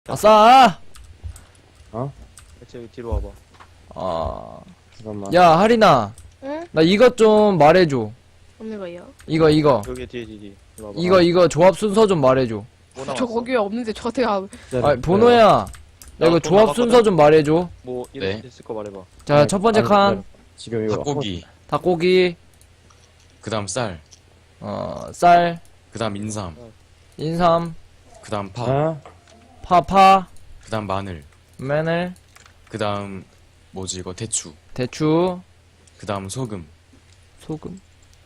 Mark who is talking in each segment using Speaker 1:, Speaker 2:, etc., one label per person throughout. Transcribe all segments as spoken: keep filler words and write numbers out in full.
Speaker 1: 아싸!
Speaker 2: 어?
Speaker 3: 여기 뒤로 와봐.
Speaker 1: 아.
Speaker 2: 잠깐만.
Speaker 1: 야, 하리나.
Speaker 4: 응?
Speaker 1: 나 이것 좀 말해줘.
Speaker 4: 없는 거예요?
Speaker 1: 이거, 이거.
Speaker 3: 여기 뒤에 뒤에 뒤에. 이리 와봐.
Speaker 1: 이거, 이거 조합 순서 좀 말해줘.
Speaker 3: 뭐
Speaker 4: 저
Speaker 3: 남았어?
Speaker 4: 거기에 없는데 저한테 가.
Speaker 1: 아, 보노야. 야, 이거
Speaker 3: 돈
Speaker 1: 조합
Speaker 3: 남았거든?
Speaker 1: 순서 좀 말해줘.
Speaker 3: 뭐 이래
Speaker 5: 네.
Speaker 3: 있을 거 말해봐.
Speaker 1: 자, 첫 번째 칸.
Speaker 2: 지금 이거
Speaker 5: 닭고기,
Speaker 1: 닭고기,
Speaker 5: 그 다음 쌀,
Speaker 1: 어, 쌀,
Speaker 5: 그 다음 인삼,
Speaker 1: 인삼,
Speaker 5: 그 다음 파,
Speaker 2: 어?
Speaker 1: 파파,
Speaker 5: 그 다음 마늘,
Speaker 1: 마늘,
Speaker 5: 그 다음 뭐지 이거 대추,
Speaker 1: 대추,
Speaker 5: 그 다음 소금,
Speaker 1: 소금.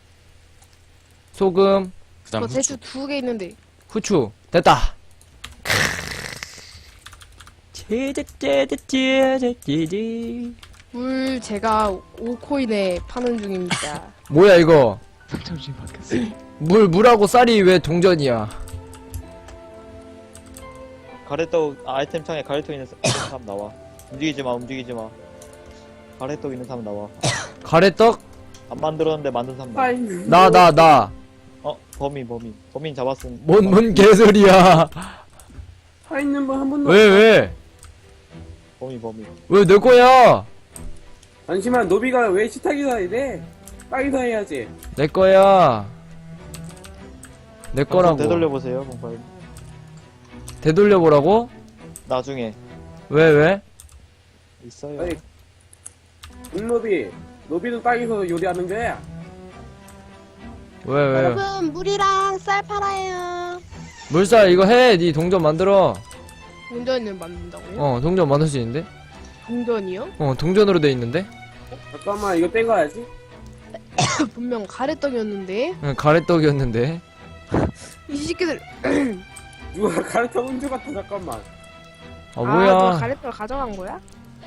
Speaker 1: 소금,
Speaker 5: 그 다음
Speaker 4: 저
Speaker 5: 후추.
Speaker 4: 대추 두 개 있는데.
Speaker 1: 후추. 됐다. 찌릿찌릿찌릿찌릿찌릿.
Speaker 4: 물 제가 오 코인에 파는 중입니다.
Speaker 1: 뭐야, 이거.
Speaker 3: 정신 바뀌었어.
Speaker 1: 물, 물하고 쌀이 왜 동전이야?
Speaker 3: 가래떡 아, 아이템 창에 가래떡 있는 사- 사람 나와. 움직이지 마, 움직이지 마. 가래떡 있는 사람 나와.
Speaker 1: 가래떡?
Speaker 3: 안 만들었는데 만든 사람 나와.
Speaker 1: 나, 나, 나.
Speaker 3: 어, 범인, 범인. 범인 잡았음.
Speaker 1: 뭔, 뭔 개소리야.
Speaker 2: 사 있는 분 한 분도
Speaker 1: 왜, 왜?
Speaker 3: 범인, 범인.
Speaker 1: 왜 내 거야?
Speaker 2: 잠시만 노비가 왜 식탁에서 이래? 땅에서 해야지.
Speaker 1: 내 거야. 내 거라고.
Speaker 3: 되돌려 보세요, 공파일.
Speaker 1: 되돌려보라고?
Speaker 3: 나중에
Speaker 1: 왜, 왜?
Speaker 3: 있어요.
Speaker 2: 아니 눈노비 노비도 땅에서 요리하는 거야.
Speaker 1: 왜, 왜?
Speaker 4: 여러분 물이랑 쌀 팔아요.
Speaker 1: 물살 이거 해. 니 동전 만들어.
Speaker 4: 동전을 만든다고요?
Speaker 1: 어, 동전 만들 수 있는데?
Speaker 4: 동전이요?
Speaker 1: 어, 동전으로 돼 있는데?
Speaker 2: 잠깐만 이거 떼가야지.
Speaker 4: 분명 가래떡이었는데.
Speaker 1: 응, 가래떡이었는데.
Speaker 4: 이 새끼들.
Speaker 2: 누가 가르쳐 운주 같아. 잠깐만.
Speaker 1: 아,
Speaker 4: 아,
Speaker 1: 뭐야.
Speaker 4: 너 가래떡을 가져간 거야?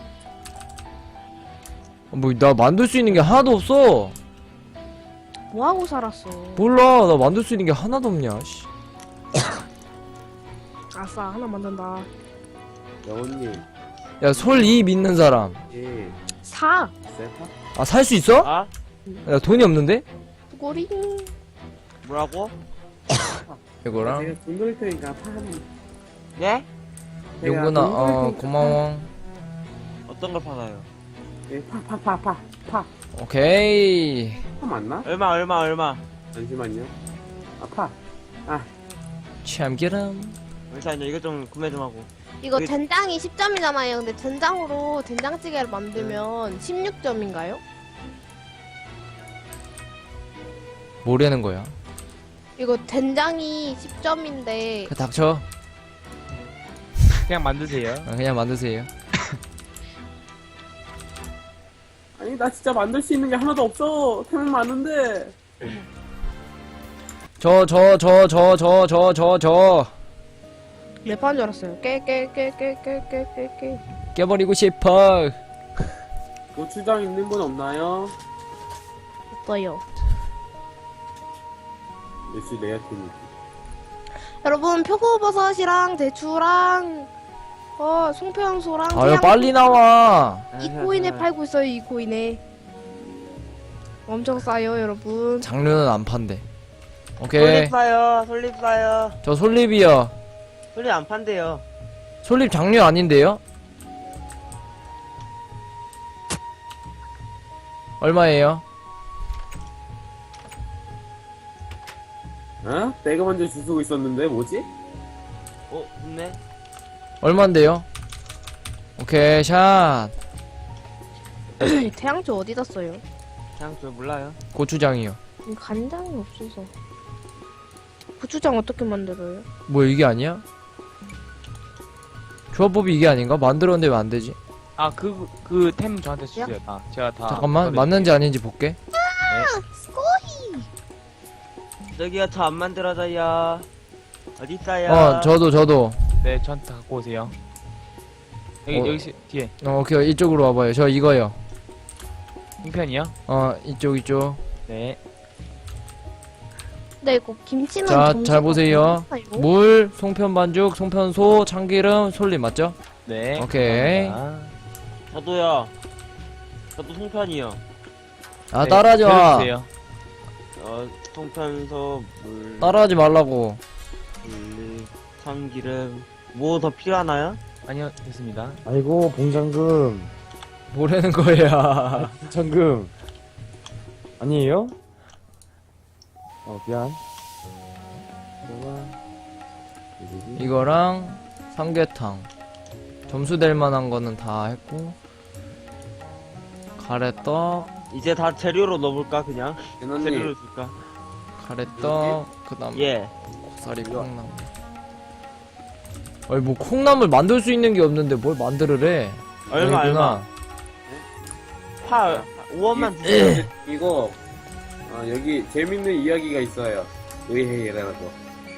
Speaker 1: 아, 뭐, 나 만들 수 있는 게 하나도 없어.
Speaker 4: 뭐 하고 살았어?
Speaker 1: 몰라. 나 만들 수 있는 게 하나도 없냐, 씨.
Speaker 4: 아싸 하나 만든다.
Speaker 2: 여운님.
Speaker 1: 야, 솔 이 믿는 사람.
Speaker 2: 예.
Speaker 4: 사.
Speaker 2: 세파?
Speaker 1: 아, 살 수 있어?
Speaker 3: 아?
Speaker 1: 야, 돈이 없는데?
Speaker 4: 꼬리.
Speaker 3: 뭐라고?
Speaker 1: 이거랑.
Speaker 2: 제가 돈 돌릴 테니까 파 하면.
Speaker 3: 예?
Speaker 2: 제가
Speaker 1: 용구나,
Speaker 2: 돈 돌릴
Speaker 1: 어,
Speaker 2: 테니까
Speaker 1: 고마워.
Speaker 3: 어떤 걸 팔아요?
Speaker 2: 파. 예, 파, 파, 파, 파, 파.
Speaker 1: 오케이.
Speaker 2: 파 맞나?
Speaker 3: 얼마, 얼마, 얼마?
Speaker 2: 잠시만요. 아, 파. 아,
Speaker 1: 참기름.
Speaker 3: 잠시만요, 이거 좀 구매 좀 하고.
Speaker 4: 이거
Speaker 3: 그-
Speaker 4: 된장이 십 점이잖아요. 근데 된장으로 된장찌개를 만들면 십육 점인가요?
Speaker 1: 뭐라는 거야?
Speaker 4: 이거 된장이 십 점인데
Speaker 1: 그 닥쳐.
Speaker 3: 그냥 만드세요.
Speaker 1: 아, 그냥 만드세요.
Speaker 2: 아니 나 진짜 만들 수 있는 게 하나도 없어. 템은 많은데.
Speaker 1: 저, 저, 저, 저, 저, 저, 저, 저.
Speaker 4: 랩한 줄 알았어요. 깨, 깨, 깨, 깨, 깨, 깨, 깨, 깨.
Speaker 1: 깨버리고 싶어.
Speaker 2: 고추장 있는 분 없나요?
Speaker 4: 없어요.
Speaker 2: 예스 레아팀이.
Speaker 4: 여러분 표고버섯이랑 대추랑 어 송편소랑
Speaker 1: 아, 야, 빨리 나와.
Speaker 4: 이 코인에 팔고 있어요. 이 코인에 엄청 싸요, 여러분.
Speaker 1: 장르는 안 판대. 오케이.
Speaker 6: 솔잎 사요, 솔잎 사요.
Speaker 1: 저 솔잎이요.
Speaker 6: 솔잎 안 판대요.
Speaker 1: 솔잎 장류 아닌데요? 얼마예요?
Speaker 2: 어? 내가 먼저 줄 서고 있었는데 뭐지?
Speaker 6: 어, 좋네.
Speaker 1: 얼만데요? 오케이, 샷.
Speaker 4: 태양초 어디다 써요?
Speaker 6: 그냥 저 몰라요.
Speaker 1: 고추장이요.
Speaker 4: 음, 간장이 없어서. 고추장 어떻게 만들어요?
Speaker 1: 뭐 이게 아니야? 조합법이 이게 아닌가? 만들었는데 왜 안 되지?
Speaker 7: 아, 그, 그 템 저한테 주세요. 다. 제가 다.
Speaker 1: 잠깐만,
Speaker 7: 써드릴게요.
Speaker 1: 맞는지 아닌지 볼게.
Speaker 6: 저기요, 저 안 만들어져요. 어디 있어요?
Speaker 1: 어, 저도, 저도.
Speaker 7: 네, 저한테 다 갖고 오세요. 여기,
Speaker 1: 어.
Speaker 7: 여기, 시- 뒤에.
Speaker 1: 어, 오케이, 이쪽으로 와봐요. 저 이거요.
Speaker 7: 형편이요?
Speaker 1: 어, 이쪽, 이쪽.
Speaker 7: 네.
Speaker 4: 네, 이거 김치는
Speaker 1: 자,
Speaker 4: 정식
Speaker 1: 잘 보세요.
Speaker 4: 어디다, 이거?
Speaker 1: 물, 송편 반죽, 송편소, 참기름, 솔잎 맞죠?
Speaker 7: 네.
Speaker 1: 오케이.
Speaker 7: 감사합니다.
Speaker 6: 저도요. 저도 송편이요.
Speaker 1: 아,
Speaker 7: 네,
Speaker 1: 따라하지 마.
Speaker 7: 들어주세요.
Speaker 6: 어, 송편소, 물,
Speaker 1: 따라하지 말라고.
Speaker 6: 물, 참기름, 뭐 더 필요하나요?
Speaker 7: 아니요, 됐습니다.
Speaker 8: 아이고 봉장금
Speaker 1: 뭐라는 거야.
Speaker 8: 장금 아니에요? 어 미안.
Speaker 1: 이거랑 삼계탕. 점수 될 만한 거는 다 했고. 가래떡,
Speaker 6: 이제 다 재료로 넣어볼까 그냥?
Speaker 2: 연원님
Speaker 6: 재료로 줄까?
Speaker 1: 가래떡, 그 다음
Speaker 6: 예.
Speaker 1: 고사리 콩나물. 아니 뭐 콩나물 만들 수 있는 게 없는데 뭘 만들으래.
Speaker 6: 얼마
Speaker 1: 여기구나.
Speaker 6: 얼마? 파 오원만 주세요.
Speaker 2: 이거 아, 여기 재밌는 이야기가 있어요. 의해라고.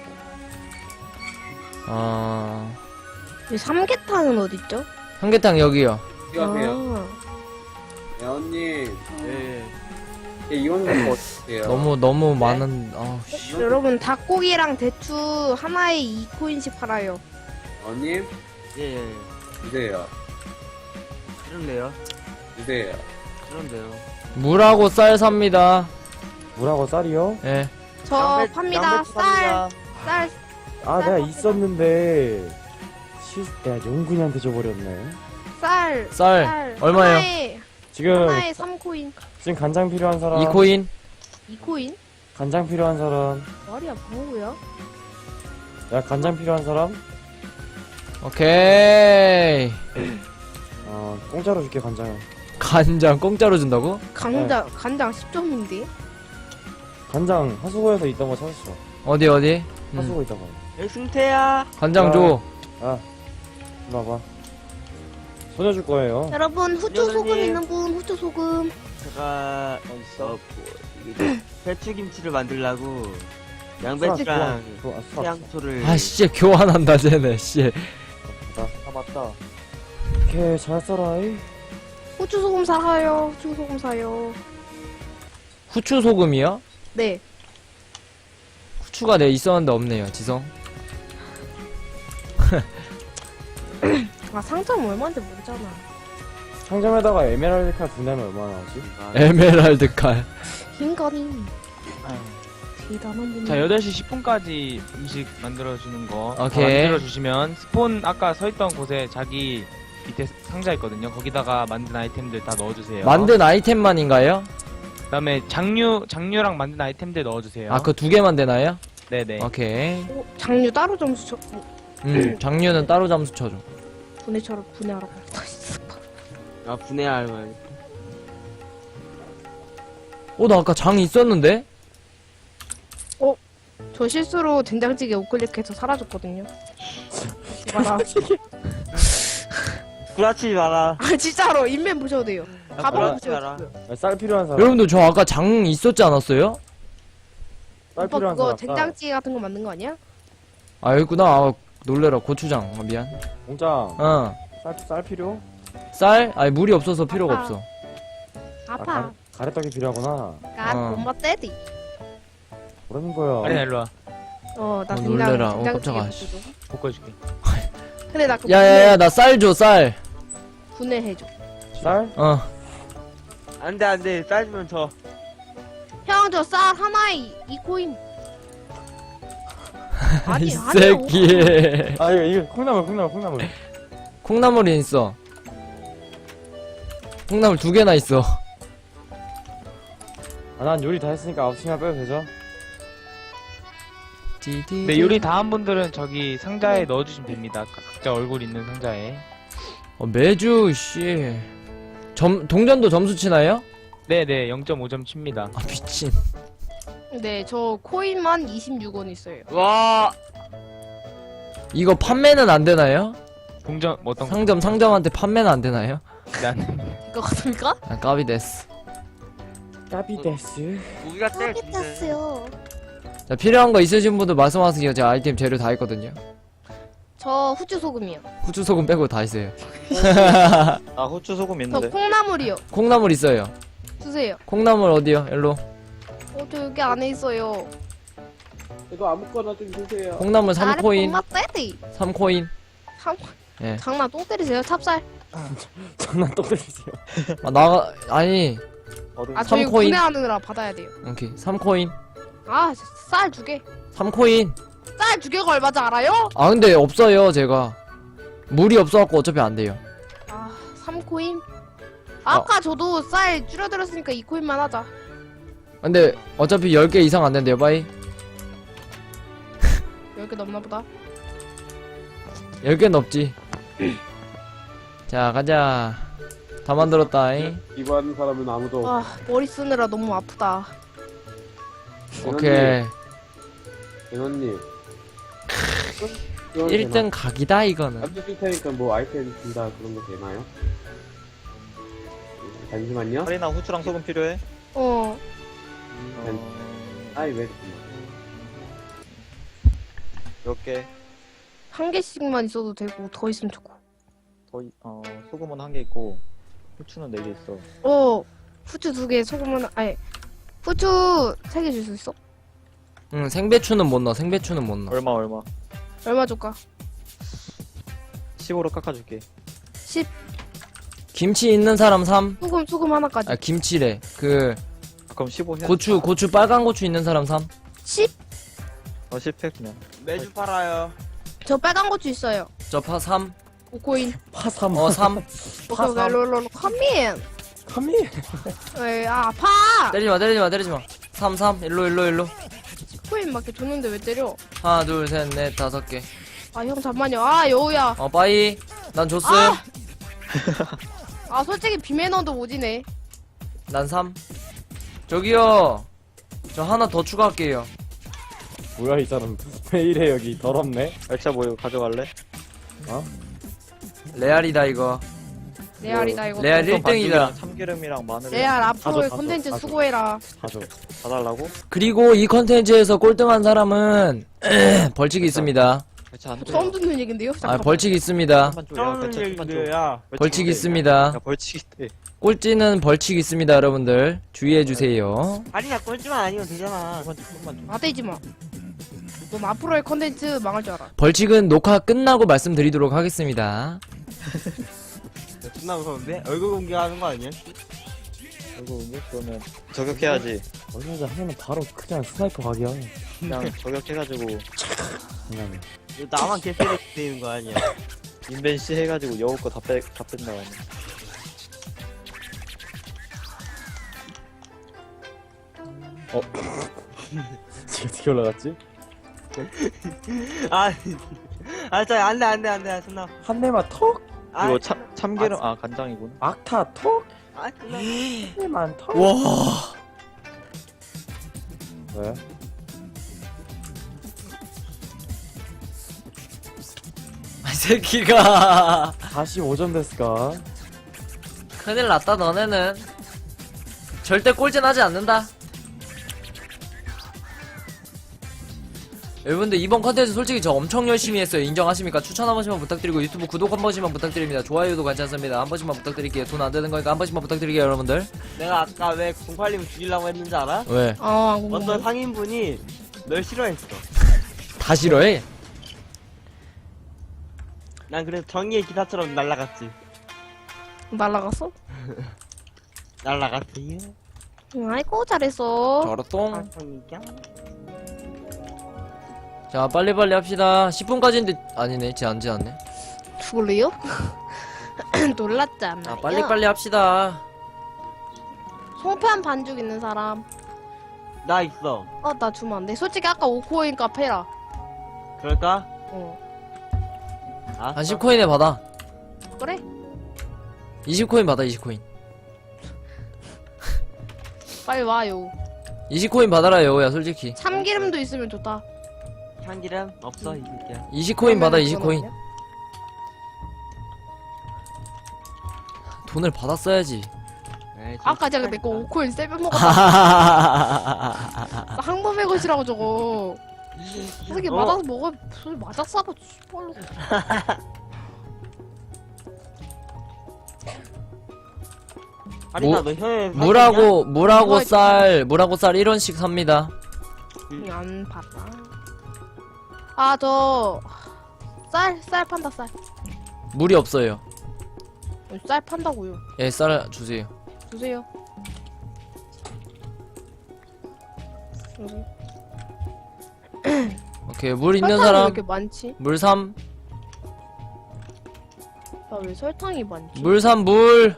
Speaker 1: 아
Speaker 4: 이 삼계탕은 어딨죠?
Speaker 1: 삼계탕 여기요.
Speaker 2: 이거하세요.
Speaker 4: 아,
Speaker 2: 연원님
Speaker 6: 예.
Speaker 2: 예, 이건 거 어때요?
Speaker 1: 너무 너무 많은. 아우 씨.
Speaker 4: 여러분 닭고기랑 대추 하나에 이 코인씩 팔아요.
Speaker 2: 연원님
Speaker 6: 예. 예.
Speaker 2: 주세요.
Speaker 6: 그런데요.
Speaker 2: 주세요.
Speaker 6: 그런데요.
Speaker 1: 물하고 쌀 삽니다.
Speaker 8: 물하고 쌀이요?
Speaker 1: 예.
Speaker 4: 저
Speaker 6: 양배-
Speaker 4: 팝니다.
Speaker 6: 양배추
Speaker 4: 쌀,
Speaker 6: 팝니다.
Speaker 4: 쌀,
Speaker 8: 아 내가 있었는데 시 내가 용군이한테 줘버렸네.
Speaker 4: 쌀,
Speaker 1: 쌀
Speaker 4: 쌀.
Speaker 1: 얼마예요?
Speaker 4: 하나에,
Speaker 8: 지금
Speaker 4: 하나에 삼 코인.
Speaker 8: 지금 간장 필요한 사람.
Speaker 1: 이 코인.
Speaker 4: 이 코인?
Speaker 8: 간장 필요한 사람.
Speaker 4: 말이야 뭐고요?
Speaker 8: 야 간장 필요한 사람.
Speaker 1: 오케이.
Speaker 8: 어 공짜로 줄게 간장.
Speaker 1: 간장 공짜로 준다고?
Speaker 4: 간장, 간장 십 점인데?
Speaker 8: 간장 하수구에서 있던 거 찾았어.
Speaker 1: 어디 어디? 음.
Speaker 8: 하수구 있다가.
Speaker 6: 예, 승태야.
Speaker 1: 간장 줘.
Speaker 8: 아 이리 와봐. 소녀 줄 거예요.
Speaker 4: 여러분 후추
Speaker 6: 여전히-
Speaker 4: 소금 있는 분 후추 소금.
Speaker 6: 제가 어, 뭐, 이게 배추김치를 만들라고 양배추랑
Speaker 8: 좋아, 좋아, 좋아.
Speaker 6: 태양초를
Speaker 1: 아 씨 교환한다 쟤네 씨.
Speaker 6: 아 맞다.
Speaker 8: 오케이 잘 써라이.
Speaker 4: 후추 소금 사요. 후추 소금 사요.
Speaker 1: 후추 소금이요?
Speaker 4: 네.
Speaker 1: 후추가 내 있었는데 없네요 지성.
Speaker 4: 아 상점 얼마인지 모르잖아.
Speaker 8: 상점에다가 에메랄드 칼 분담이 얼마나 하지?
Speaker 1: 에메랄드 칼.
Speaker 4: 인간이 대단한 분.
Speaker 7: 자, 여덟 시 십 분까지 음식 만들어주는 거. 다
Speaker 1: 오케이.
Speaker 7: 만들어주시면, 스폰 아까 서있던 곳에 자기 밑에 상자 있거든요. 거기다가 만든 아이템들 다 넣어주세요.
Speaker 1: 만든 아이템만인가요?
Speaker 7: 그 다음에 장류, 장류랑 만든 아이템들 넣어주세요.
Speaker 1: 아 그 두 개만 되나요?
Speaker 7: 네네.
Speaker 1: 오케이.
Speaker 4: 어, 장류 따로 점수 쳐. 어,
Speaker 1: 음 장류는 따로 잠수 쳐줘.
Speaker 4: 분해처럼 분해하라고.
Speaker 6: 아 분해할 말.
Speaker 1: 어 나 아까 장 있었는데?
Speaker 4: 저 실수로 된장찌개 우클릭해서 사라졌거든요. 봐라.
Speaker 6: 구라치지 마라.
Speaker 4: 아 진짜로 인맨 보셔도 돼요. 가방
Speaker 6: 구라치지
Speaker 4: 보셔도
Speaker 6: 마라.
Speaker 4: 돼요.
Speaker 8: 야, 쌀 필요한 사람.
Speaker 1: 여러분들 저 아까 장 있었지 않았어요?
Speaker 8: 쌀
Speaker 4: 오빠
Speaker 8: 필요한
Speaker 4: 그거
Speaker 8: 사람. 쌀.
Speaker 4: 된장찌개 같은 거 만든 거 아니야?
Speaker 1: 아 여기구나. 아, 놀래라 고추장. 아, 미안.
Speaker 8: 공장.
Speaker 1: 어.
Speaker 8: 쌀, 쌀 필요?
Speaker 1: 쌀? 아니 물이 없어서 필요가
Speaker 4: 아빠.
Speaker 1: 없어.
Speaker 4: 아파.
Speaker 8: 가래, 가래떡이 필요하구나.
Speaker 4: 가
Speaker 1: 어.
Speaker 4: 엄마 떼디.
Speaker 8: 그러는 거야.
Speaker 7: 아리나 일로와.
Speaker 4: 어, 나
Speaker 1: 어,
Speaker 4: 된장
Speaker 1: 놀래라. 어,
Speaker 4: 된장찌개
Speaker 1: 깜짝아,
Speaker 4: 먹거든.
Speaker 7: 볶아줄게.
Speaker 4: 근데 나 그거
Speaker 1: 야야야 나 쌀 줘 쌀.
Speaker 4: 분해, 분해해줘.
Speaker 8: 쌀?
Speaker 1: 어.
Speaker 6: 안돼 안돼 싸주면 저.
Speaker 4: 형 저 쌀 하나에 이, 이 코인. 아니
Speaker 1: 이
Speaker 4: 아니요.
Speaker 1: 새끼.
Speaker 8: 아 이거 이거 콩나물 콩나물 콩나물.
Speaker 1: 콩나물이 있어. 콩나물 두 개나 있어.
Speaker 8: 아 난 요리 다 했으니까 아홉 시간 빼도 되죠?
Speaker 7: 네, 요리 다 한 분들은 저기 상자에 넣어주시면 됩니다. 각- 각자 얼굴 있는 상자에.
Speaker 1: 어, 매주 씨. 점 동전도 점수 치나요?
Speaker 7: 네네, 영 점 오 점 칩니다.
Speaker 1: 아 미친.
Speaker 4: 네, 저 코인만 이십육 원 있어요.
Speaker 6: 와.
Speaker 1: 이거 판매는 안 되나요?
Speaker 7: 동전, 뭐 어떤 거?
Speaker 1: 상점 상점한테 판매는 안 되나요?
Speaker 7: 난
Speaker 4: 이거 같습니까?
Speaker 1: 아 까비 데스.
Speaker 8: 까비데스.
Speaker 6: 무기가 제일 좋은데.
Speaker 4: 땄어요.
Speaker 1: 자 필요한 거 있으신 분들 말씀하세요. 제가 아이템 재료 다 있거든요.
Speaker 4: 저 후추 소금이요.
Speaker 1: 후추 소금 빼고 다 있어요.
Speaker 3: 아 후추 소금
Speaker 4: 저
Speaker 3: 있는데.
Speaker 4: 콩나물이요.
Speaker 1: 콩나물 있어요.
Speaker 4: 주세요.
Speaker 1: 콩나물 어디요? 일로.
Speaker 4: 어, 저 여기 안에 있어요.
Speaker 2: 이거 아무거나 좀 주세요.
Speaker 1: 콩나물 삼 코인.
Speaker 4: 엄마 떼디.
Speaker 1: 삼 코인.
Speaker 4: 참,
Speaker 1: 예.
Speaker 4: 장난 똥 때리세요. 찹쌀.
Speaker 8: 장난 또 때리세요.
Speaker 1: 아 나가 아니.
Speaker 3: 어디?
Speaker 4: 아 저희
Speaker 1: 삼 코인.
Speaker 4: 분해하느라 받아야 돼요.
Speaker 1: 오케이. 삼 코인.
Speaker 4: 아, 쌀 두 개.
Speaker 1: 삼 코인.
Speaker 4: 쌀 두 개가 얼마지 알아요?
Speaker 1: 아 근데 없어요 제가. 물이 없어갖고 어차피 안 돼요.
Speaker 4: 아, 삼 코인? 아까 저도 쌀 줄여들었으니까 이 코인만 하자.
Speaker 1: 근데 어차피 열 개 이상 안 된대요 빠이.
Speaker 4: 열 개 넘나 보다.
Speaker 1: 열 개 넘지. 자 가자. 다 만들었다잉.
Speaker 2: 이거 하는 사람은 아무도 없어.
Speaker 4: 아, 머리 쓰느라 너무 아프다.
Speaker 1: 오케이.
Speaker 2: 대원님.
Speaker 1: 일 등 각이다 이거는.
Speaker 2: 남자 줄 테니까 뭐 아이템 준다 그런 거 되나요? 잠시만요.
Speaker 3: 카리나 후추랑 소금 필요해?
Speaker 4: 어,
Speaker 3: 어...
Speaker 2: 아이 왜?
Speaker 3: 몇 개?
Speaker 4: 한 개씩만 있어도 되고 더 있으면 좋고.
Speaker 3: 더, 이- 어, 소금은 한 개 있고, 후추는 네 개 있어.
Speaker 4: 어, 후추 두 개, 소금은 아니 후추 세 개 줄 수 있어?
Speaker 1: 응 생배추는 못 넣어. 생배추는 못 넣어.
Speaker 3: 얼마, 얼마?
Speaker 4: 얼마 줄까?
Speaker 3: 십으로 깎아줄게.
Speaker 4: 십.
Speaker 1: 김치 있는 사람 삼.
Speaker 4: 소금 소금 하나까지.
Speaker 1: 아 김치래. 그
Speaker 3: 그럼 십오 해?
Speaker 1: 고추 고추 빨간 고추 있는 사람 삼.
Speaker 4: 십.
Speaker 3: 어, 십 해, 그냥.
Speaker 6: 매주 팔아요.
Speaker 4: 저 빨간 고추 있어요.
Speaker 1: 저 파 삼.
Speaker 4: 오 코인.
Speaker 8: 파삼.
Speaker 1: 어 삼.
Speaker 4: 오케이 오케이 롤롤 컴인.
Speaker 8: 카미.
Speaker 4: 에이 아 아파.
Speaker 1: 때리지 마 때리지 마 때리지 마. 삼 삼. 일로 일로 일로.
Speaker 4: 코인 맞게 줬는데 왜 때려?
Speaker 1: 하나 둘 셋 넷 다섯 개.
Speaker 4: 아 형 잠만요. 아 여우야.
Speaker 1: 어 빠이. 난 줬음.
Speaker 4: 아! 아 솔직히 비매너도 오지네.
Speaker 1: 난 삼. 저기요. 저 하나 더 추가할게요.
Speaker 8: 뭐야 이 사람 왜 이래 여기 더럽네.
Speaker 3: 열차 뭐 이거 가져갈래?
Speaker 1: 레알이다 이거.
Speaker 4: 레알이다 이거.
Speaker 1: 레알 일 등이다.
Speaker 3: 반죽이랑 참기름이랑 마늘
Speaker 4: 레알 앞으로의
Speaker 8: 가져,
Speaker 4: 콘텐츠
Speaker 8: 가져.
Speaker 4: 수고해라.
Speaker 8: 가져.
Speaker 3: 다 달라고?
Speaker 1: 그리고 이 컨텐츠에서 꼴등한 사람은 벌칙이 있습니다.
Speaker 3: 열차 안 돼.
Speaker 4: 처음 듣는 얘긴데요?
Speaker 1: 아
Speaker 4: 잠깐만.
Speaker 1: 벌칙이 있습니다.
Speaker 3: 좀만 줘. 야,
Speaker 6: 처음
Speaker 3: 열차 좀만 줘.
Speaker 6: 얘기야.
Speaker 1: 벌칙이
Speaker 3: 야,
Speaker 1: 있습니다.
Speaker 3: 벌칙 있대.
Speaker 1: 꼴찌는 벌칙이 있습니다 여러분들. 주의해주세요.
Speaker 6: 아니야 꼴찌만 아니면 되잖아.
Speaker 3: 좀만 줘, 좀만 줘.
Speaker 4: 나대지 마. 넌 앞으로의 컨텐츠 망할 줄 알아.
Speaker 1: 벌칙은 녹화 끝나고 말씀드리도록 하겠습니다.
Speaker 6: 존나 무서운데? 얼굴 공개하는 거 아니야?
Speaker 3: 이거 은근 그러면 저격해야지.
Speaker 8: 얼마 전에 하면 바로 그냥 스나이퍼 각이야.
Speaker 3: 그냥 저격해가지고
Speaker 8: 그냥.
Speaker 6: 이거 나만 개쓰레기 되는 거 아니야?
Speaker 3: 인벤시 해가지고 여우 거 다 빼, 다 뺀다. 가네.
Speaker 8: 지금 어떻게 올라갔지?
Speaker 6: 아, 아, 저 안돼 안돼 안돼 존나.
Speaker 8: 한 대만 톡.
Speaker 6: 아,
Speaker 3: 이거 참, 참기름, 아, 간장이구나.
Speaker 8: 악타 톡.
Speaker 6: 아, 존나.
Speaker 8: 한 대만 톡.
Speaker 1: 와.
Speaker 8: 왜?
Speaker 1: 이 새끼가
Speaker 8: 사십오 점 됐을까?
Speaker 1: 큰일 났다 너네는. 절대 꼴찌는 하지 않는다. 여러분들 이번 컨텐츠 솔직히 저 엄청 열심히 했어요. 인정하십니까? 추천 한 번씩만 부탁드리고 유튜브 구독 한 번씩만 부탁드립니다. 좋아요도 괜찮습니다. 한 번씩만 부탁드릴게요. 돈 안 되는 거니까 한 번씩만 부탁드릴게요 여러분들.
Speaker 6: 내가 아까 왜 공팔님 죽이려고 했는지 알아?
Speaker 1: 왜?
Speaker 4: 아
Speaker 6: 어떤
Speaker 4: 궁금해.
Speaker 6: 상인분이 널 싫어했어.
Speaker 1: 다 싫어해?
Speaker 6: 난 그래서 정의의 기사처럼 날라갔지.
Speaker 4: 날라갔어?
Speaker 6: 날라갔지.
Speaker 4: 응, 아이고 잘했어.
Speaker 1: 저렇똥.
Speaker 6: 아, 정의야?
Speaker 1: 자 빨리빨리 합시다. 십 분까지인데 아니네. 쟤 안 지않네.
Speaker 4: 죽을래요? 놀랐잖아.
Speaker 1: 자 빨리빨리 합시다.
Speaker 4: 송편 반죽 있는 사람.
Speaker 6: 나 있어.
Speaker 4: 어 나 주면 안 돼. 솔직히 아까 오 코인 카페라.
Speaker 6: 그럴까?
Speaker 4: 어
Speaker 6: 아,
Speaker 1: 한 십 코인에 받아.
Speaker 4: 그래?
Speaker 1: 이십 코인 받아. 이십 코인.
Speaker 4: 빨리 와요.
Speaker 1: 이십 코인 받아라 여우야 솔직히.
Speaker 4: 참기름도 있으면 좋다.
Speaker 6: 참기름 없어 이 새끼야.
Speaker 1: 이십 코인 받아.
Speaker 4: 그러면은
Speaker 1: 이십
Speaker 4: 그건
Speaker 1: 코인.
Speaker 4: 없냐?
Speaker 1: 돈을 받았어야지.
Speaker 6: 에이, 좀
Speaker 4: 아까 제가 내거 오 코인 세배 먹었다.
Speaker 1: 아,
Speaker 4: 항범의 것이라고 저거. 어떻게
Speaker 6: 어.
Speaker 4: 맞아서 먹어? 무슨 맞아 싸봐. 씨발로.
Speaker 6: 아리나
Speaker 1: 뭐-
Speaker 6: 너 혀에
Speaker 1: 물하고 물하고
Speaker 4: 뭐가
Speaker 1: 쌀 물하고 쌀 일 원씩 삽니다.
Speaker 4: 응, 안 봤다. 아, 저, 쌀, 쌀 판다, 쌀.
Speaker 1: 물이 없어요.
Speaker 4: 어, 쌀 판다고요.
Speaker 1: 예, 쌀 주세요.
Speaker 4: 주세요. 여기.
Speaker 1: 오케이, 물 있는
Speaker 4: 설탕이 왜
Speaker 1: 사람.
Speaker 4: 이렇게 많지?
Speaker 1: 물 삼.
Speaker 4: 나 왜 설탕이 많지?
Speaker 1: 물 삼, 물.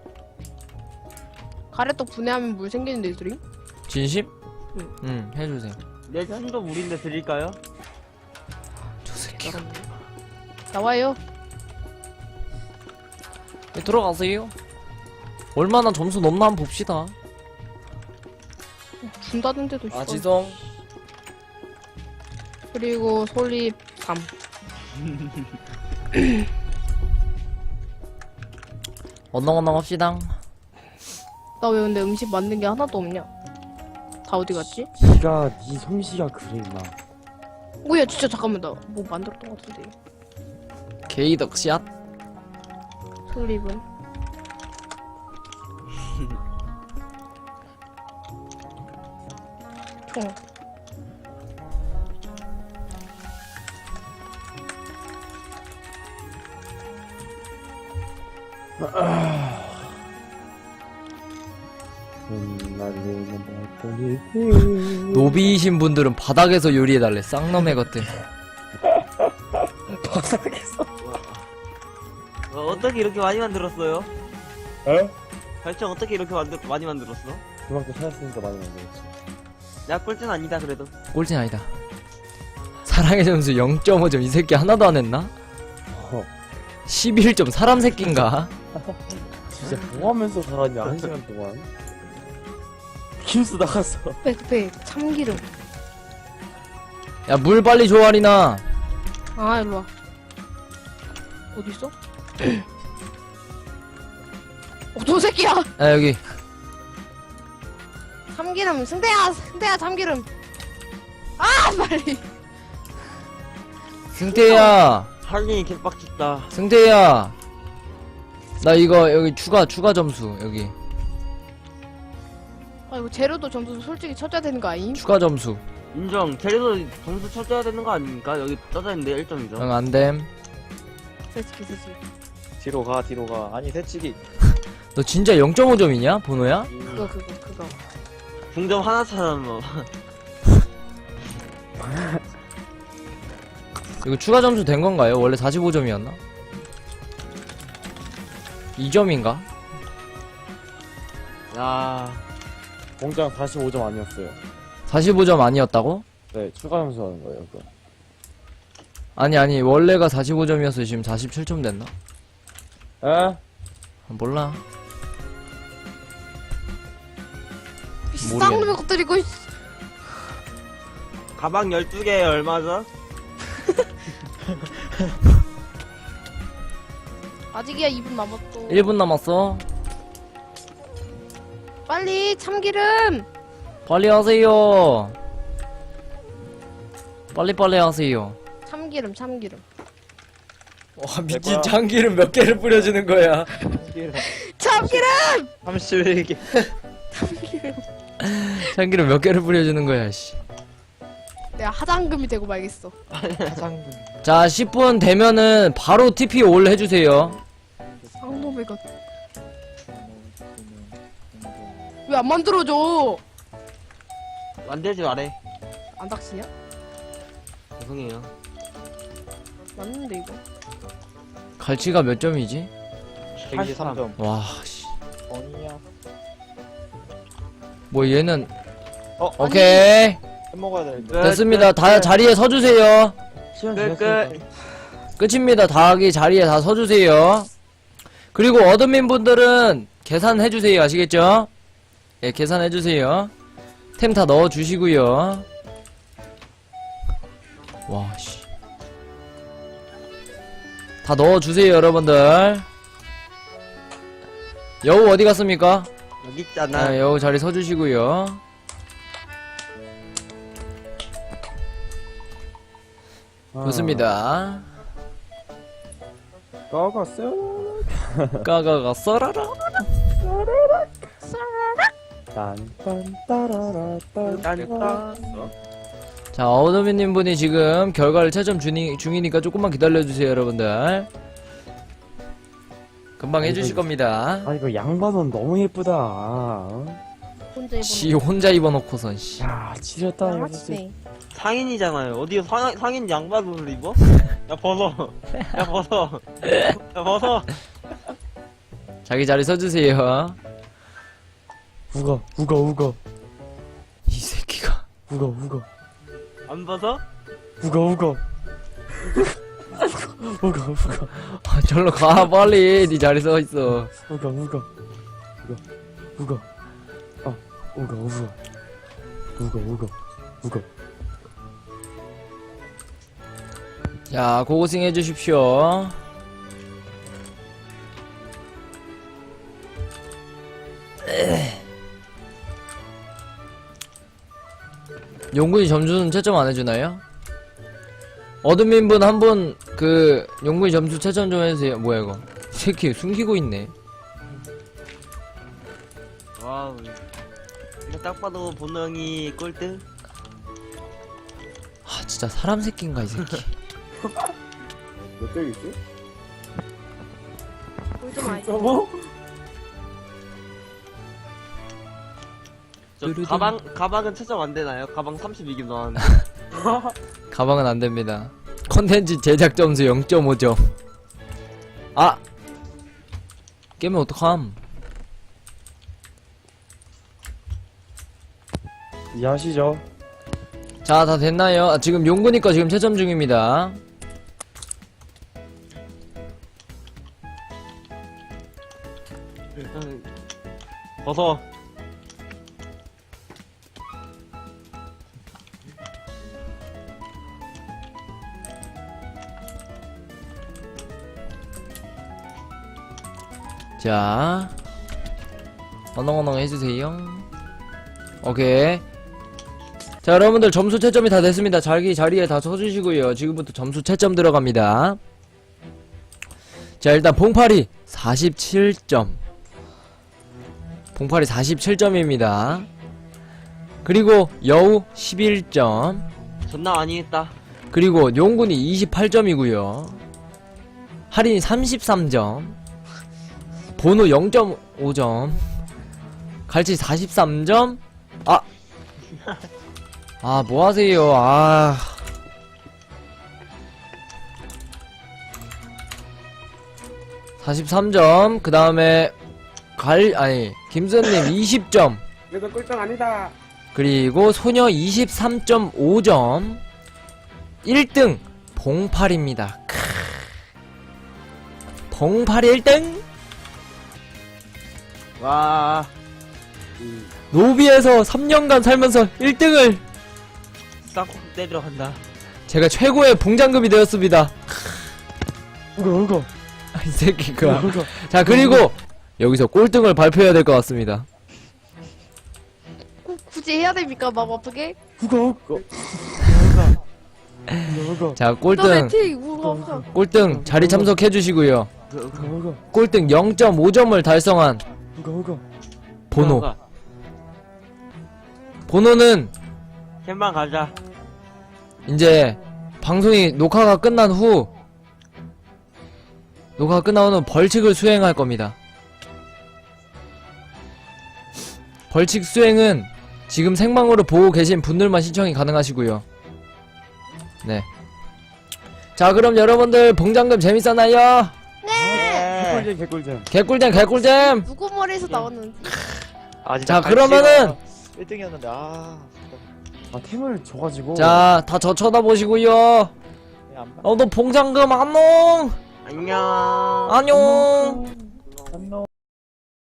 Speaker 4: 가래떡 분해하면 물 생기는데 드림?
Speaker 1: 진심?
Speaker 4: 응.
Speaker 1: 응, 해주세요.
Speaker 6: 내 손도 물인데 드릴까요?
Speaker 1: 저 새끼.
Speaker 4: 나와요.
Speaker 1: 네, 들어가세요. 얼마나 점수 넘나 한번 봅시다.
Speaker 4: 준다던데도 있어.
Speaker 1: 아, 지성.
Speaker 4: 그리고 솔잎 삼.
Speaker 1: 언렁언렁 합시다.
Speaker 4: 나 왜 근데 음식 만든 게 하나도 없냐? 다 어디 갔지?
Speaker 8: 니가 니 솜씨가 그래 임마.
Speaker 4: 오야 진짜 잠깐만 나 뭐 만들었던 것 같은데.
Speaker 1: 게이덕샷.
Speaker 4: 솔잎은 총.
Speaker 8: 음, 날리는 발걸이.
Speaker 1: 노비이신 분들은 바닥에서 요리해달래. 쌍놈의 것들.
Speaker 6: 어, 어떻게 이렇게 많이 만들었어요?
Speaker 8: 에?
Speaker 6: 발전 어떻게 이렇게 만들, 많이 만들었어?
Speaker 8: 그만큼 찾았으니까 많이 만들었지.
Speaker 6: 야 꼴찌는 아니다 그래도.
Speaker 1: 꼴찌는 아니다. 사랑의 점수 영 점 오 점. 이 새끼 하나도 안 했나?
Speaker 8: 어,
Speaker 1: 십일 점. 사람 새끼인가?
Speaker 8: 진짜 뭐 하면서 살았냐 한 시간 동안. 김수 나갔어.
Speaker 4: 백백 참기름.
Speaker 1: 야, 물 빨리 줘, 아리나.
Speaker 4: 아 일로 와. 어디 있어? 어저 새끼야.
Speaker 1: 야, 여기.
Speaker 4: 참기름 승대야 승대야 참기름. 아 빨리.
Speaker 1: 승태야.
Speaker 6: 할린이 개빡쳤다.
Speaker 1: 승태야. 나 이거 여기 추가 추가 점수 여기.
Speaker 4: 아 이거 재료도 점수 솔직히 쳐줘야 되는 거 아임?
Speaker 1: 추가 점수.
Speaker 6: 인정. 재료도 점수 쳐줘야 되는 거 아닙니까? 여기 떠져있는데 일 점이죠.
Speaker 1: 응, 안됨.
Speaker 4: 솔직히 솔직히.
Speaker 3: 뒤로 가 뒤로 가. 아니 새치기.
Speaker 1: 너 진짜 영 점 오 점이냐? 번호야?
Speaker 4: 그거 그거 그거.
Speaker 6: 중점 하나 차는 뭐.
Speaker 1: 이거 추가 점수 된 건가요? 원래 사십오 점이었나? 이 점인가?
Speaker 6: 야
Speaker 8: 공장 사십오 점 아니었어요.
Speaker 1: 사십오 점 아니었다고?
Speaker 8: 네, 추가 점수 하는 거예요, 그거.
Speaker 1: 아니 아니 원래가 사십오 점이어서 지금 사십칠 점 됐나?
Speaker 8: 에?
Speaker 1: 아, 몰라.
Speaker 4: 쌍놈의 것들 이거.
Speaker 6: 가방 열두 개에 얼마죠?
Speaker 4: 아직이야 이 분 남았어.
Speaker 1: 일 분 남았어.
Speaker 4: 빨리 참기름.
Speaker 1: 빨리 하세요. 빨리 빨리 하세요.
Speaker 4: 참기름 참기름.
Speaker 1: 와 미친 참기름 몇 개를 뿌려주는 거야.
Speaker 4: 참기름.
Speaker 3: 삼십일 개.
Speaker 1: 참기름 몇 개를 뿌려주는 거야 씨.
Speaker 4: 내가 하장금이 되고 말겠어.
Speaker 1: 자 십 분 되면은 바로 티피 올 해주세요.
Speaker 4: 쌍놈의 것. 왜 안 만들어줘?
Speaker 6: 만들지 말해.
Speaker 4: 안 닥치냐?
Speaker 6: 죄송해요.
Speaker 4: 맞는데 이거.
Speaker 1: 갈치가 몇 점이지?
Speaker 3: 백이십삼 점.
Speaker 1: 와 씨.
Speaker 3: 아니야.
Speaker 1: 뭐 얘는
Speaker 3: 어
Speaker 1: 오케이
Speaker 3: 해 먹어야 되는데.
Speaker 1: 됐습니다. 다 자리에 서주세요.
Speaker 6: 끝, 끝.
Speaker 1: 끝입니다. 다하기 자리에 다 서주세요. 그리고 어드민 분들은 계산해주세요. 아시겠죠? 예, 계산해주세요. 템 다 넣어주시고요. 와, 씨. 다 넣어주세요, 여러분들. 여우 어디 갔습니까?
Speaker 6: 여기 있잖아.
Speaker 1: 아, 여우 자리 서주시고요. 좋습니다.
Speaker 8: 까갔어요.
Speaker 1: 까가가 썰어라.
Speaker 8: 딴딴따라라딴.
Speaker 1: 자, 어드민님 분이 지금 결과를 채점 중이, 중이니까 조금만 기다려주세요, 여러분들. 금방 해주실 겁니다.
Speaker 8: 아, 이거 양반은 너무 예쁘다. 어?
Speaker 4: 혼자
Speaker 1: 지
Speaker 4: 입어놓고.
Speaker 1: 혼자 입어놓고선 씨.
Speaker 8: 야 지렸다 이거 진짜.
Speaker 4: 양아치네.
Speaker 6: 상인이잖아요. 어디 상, 상인 양반옷을 입어? 야, 벗어. 야, 벗어. 야, 벗어.
Speaker 1: 자기 자리 서주세요.
Speaker 8: 우거 우거 우거
Speaker 1: 이 새끼가.
Speaker 8: 우거 우거
Speaker 6: 안 벗어?
Speaker 8: 우거 우거 우거 우거
Speaker 1: 아, 절로 가 빨리. 네 자리 서 있어.
Speaker 8: 우거 우거 우거 우거 어 우거 우거 우거 우거 우거
Speaker 1: 자, 고고싱 해주십시오. 용군이 점수는 채점 안 해주나요? 어드민분 한 분 그 용군이 점수 채점 좀 해주세요. 뭐야 이거? 이 새끼 숨기고 있네.
Speaker 6: 와우. 이거 딱 봐도 본능이 꼴등?
Speaker 1: 아 진짜 사람 새끼인가 이 새끼.
Speaker 2: 몇 점이지?
Speaker 4: 꿀좀 많이.
Speaker 2: 저거?
Speaker 6: 저
Speaker 1: 뚜루둥.
Speaker 6: 가방, 가방은 채점 안 되나요? 가방 삼십이 점 나왔는데.
Speaker 1: 가방은 안 됩니다. 컨텐츠 제작 점수 영 점 오 점. 아! 깨면 어떡함?
Speaker 8: 이해하시죠?
Speaker 1: 자, 다 됐나요? 아, 지금 용군이 거 지금 채점 중입니다.
Speaker 6: 벗어.
Speaker 1: 자, 어렁어렁 해주세요. 오케이. 자, 여러분들 점수 채점이 다 됐습니다. 자기 자리에 다 서주시고요. 지금부터 점수 채점 들어갑니다. 자, 일단 봉파리 사십칠 점. 봉파리 사십칠 점입니다. 그리고 여우 십일 점.
Speaker 6: 존나 많이 했다.
Speaker 1: 그리고 용군이 이십팔 점이고요. 할인이 삼십삼 점. 번호 영 점 오 점. 갈치 사십삼 점. 아. 아, 뭐 하세요. 아. 사십삼 점. 그 다음에, 갈, 아니, 김선님 이십 점.
Speaker 2: 그래도 꿀등 아니다.
Speaker 1: 그리고 소녀 이십삼 점 오 점. 일 등, 봉팔입니다. 크. 봉팔이 일 등?
Speaker 6: 와.
Speaker 1: 노비에서 삼 년간 살면서 일 등을
Speaker 6: 싹 때리러 간다.
Speaker 1: 제가 최고의 봉장금이 되었습니다.
Speaker 8: 우거 우거
Speaker 1: 아, 이 새끼가.
Speaker 8: 우거 우거
Speaker 1: 자, 그리고 여기서 꼴등을 발표해야 될 것 같습니다.
Speaker 4: 꼭 굳이 해야 됩니까? 막 어떻게?
Speaker 8: 우거 우거 우거 우거
Speaker 1: 자,
Speaker 4: 너
Speaker 1: 꼴등,
Speaker 4: 매틱 우와.
Speaker 1: 꼴등 자리 참석해 주시고요.
Speaker 8: 우거 우거
Speaker 1: 꼴등 영 점 오 점을 달성한
Speaker 8: 우거 우거
Speaker 1: 번호. 번호는
Speaker 6: 캠방 가자.
Speaker 1: 이제 방송이 녹화가 끝난 후 녹화가 끝난 후는 벌칙을 수행할 겁니다. 벌칙 수행은 지금 생방으로 보고 계신 분들만 신청이 가능하시고요. 네. 자, 그럼 여러분들 봉장금 재밌었나요?
Speaker 8: 개꿀잼 개꿀잼
Speaker 1: 개꿀잼 개꿀잼.
Speaker 4: 누구 머리에서 나왔는지.
Speaker 3: 아,
Speaker 1: 자, 그러면은
Speaker 3: 일 등이었는데, 아.
Speaker 8: 아 템을 줘가지고
Speaker 1: 자, 다 저 쳐다보시고요.
Speaker 3: 안 봐.
Speaker 1: 어, 너 봉장금 안녕.
Speaker 6: 안녕.
Speaker 1: 안녕.
Speaker 8: 안녕